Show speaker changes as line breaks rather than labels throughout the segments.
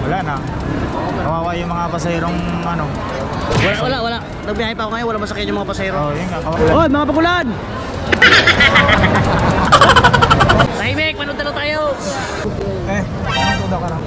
Wala na. Kawawa yung mga pasahirong ano.
Wala. Nagbiyahe pa ako ngayon, wala masakyan yung mga pasahero.
Oh, yun nga. Kawawa.
Hoy, mga pagulan! Tahimik, manood na lang tayo!
Ano daw ka na?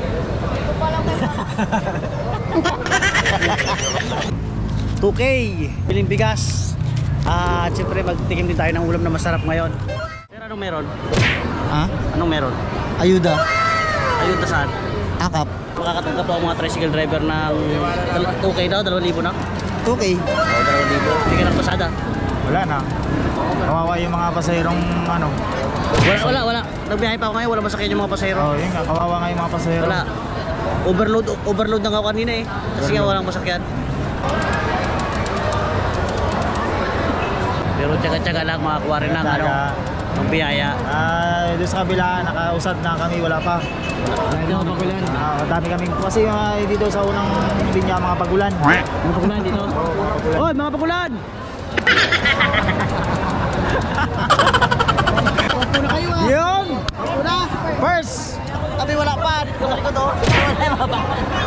$2K, biling bigas. Siyempre magtikim din tayo ng ulam na masarap ngayon. Pero anong meron?
Ha?
Anong meron?
Ayuda.
Ayun na saan?
Akap.
Makakatanggap po ang mga tricycle driver ng 2K daw, 2,000 na?
2K.
Oo, 2,000. Hindi ka ng pasada.
Wala na. Kawawa yung mga pasahirong ano.
Wala. Nagbiyahe pa ako ngayon, wala masakyan yung mga pasahero.
Oh, yun nga. Kawawa nga yung mga pasahero.
Wala. Overload na nga ako kanina eh. Kasi nga walang masakyan. Pero tsaga-tsaga lang makakuha rin ng ano, ng biyaya.
Doon sa kabila, nakausad na kami, wala pa. Dami kami. Kasi dito sa unang linya, mga pagulan.
Mga pagulan dito? Hoy, mga pagulan! Pagpo na kayo ah!
Yun!
Pagpo na!
First!
Tabi wala pa! Dito sa likod oh! Wala yung mga pa!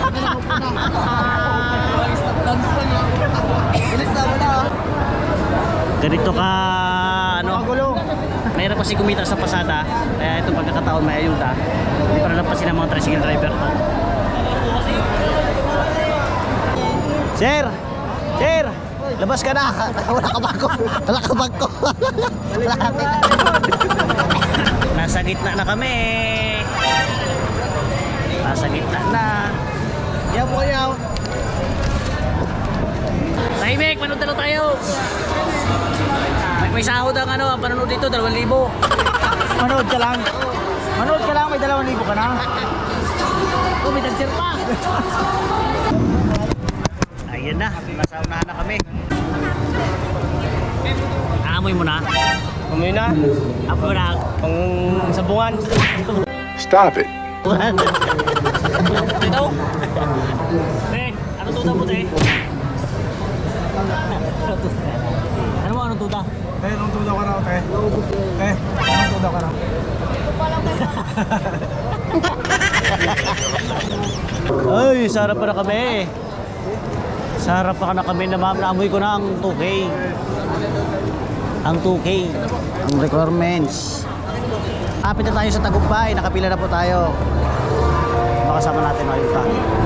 Bilis na wala oh! Ganito ka ano?
Magulo!
Mayroon kasi kumita sa pasada, kaya itong pagkakataon may ayuda. Hindi para lampasin ang mga tricycle driver to. Sir! Sir! Labas ka na! Wala ka bangko! Wala ka bangko! Nasa gitna na kami! Nasa gitna na! Yaw po yaw! Tahimik! Manood na lang tayo! May sahod ang ano, ang panonood dito, 2,000.
Manood ka lang. Manood ka lang, may 2,000 ka na.
Oh, may dancer pa! Ayan na, nasa unahan na kami. Aamoy mo na?
Amoy na.
Amoy mo na?
Pang sabungan.
Stop it.
Ito? Te, ano tuta mo, te? Ano mo, anong tuta?
Anong tudaw ka raw, te? Anong tudaw ka raw?
Ay, sarap pa na kami. Sarap pa na kami na ma'am. Naamoy ko na ang 2K. Ang 2K. Ang requirements. Kapit na tayo sa Tagumpay. Nakapila na po tayo. Makasama natin ayuda.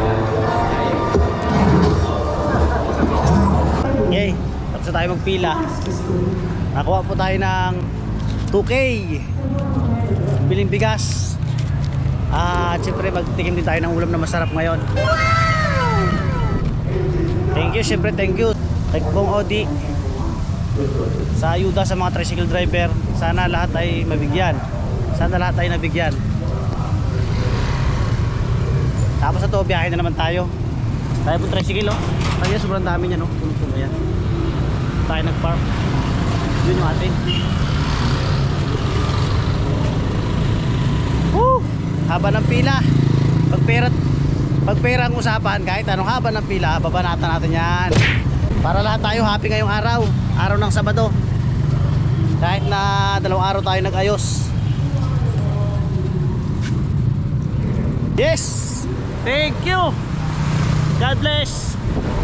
Yay. Tapos na tayo magpila. Nakuha po tayo ng 2K. Biling bigas. Siyempre magtikim din tayo ng ulam na masarap ngayon. Thank you, siyempre thank you kay Bong Odi sa ayuda sa mga tricycle driver. Sana lahat ay mabigyan. Sana lahat ay nabigyan. Tapos ito, biyahe na naman tayo. Tayo po tricycle oh. Kaya sobrang dami niya no. Puno-puno yan. Tayo nag-park. Yun yung atin. Woo! Haba ng pila. Pagpera ang usapan, kahit anong haba ng pila, babanatan natin yan. Para lahat tayo happy ngayong araw. Araw ng Sabado. Kahit na 2 araw tayo nag-ayos. Yes! Thank you! God bless!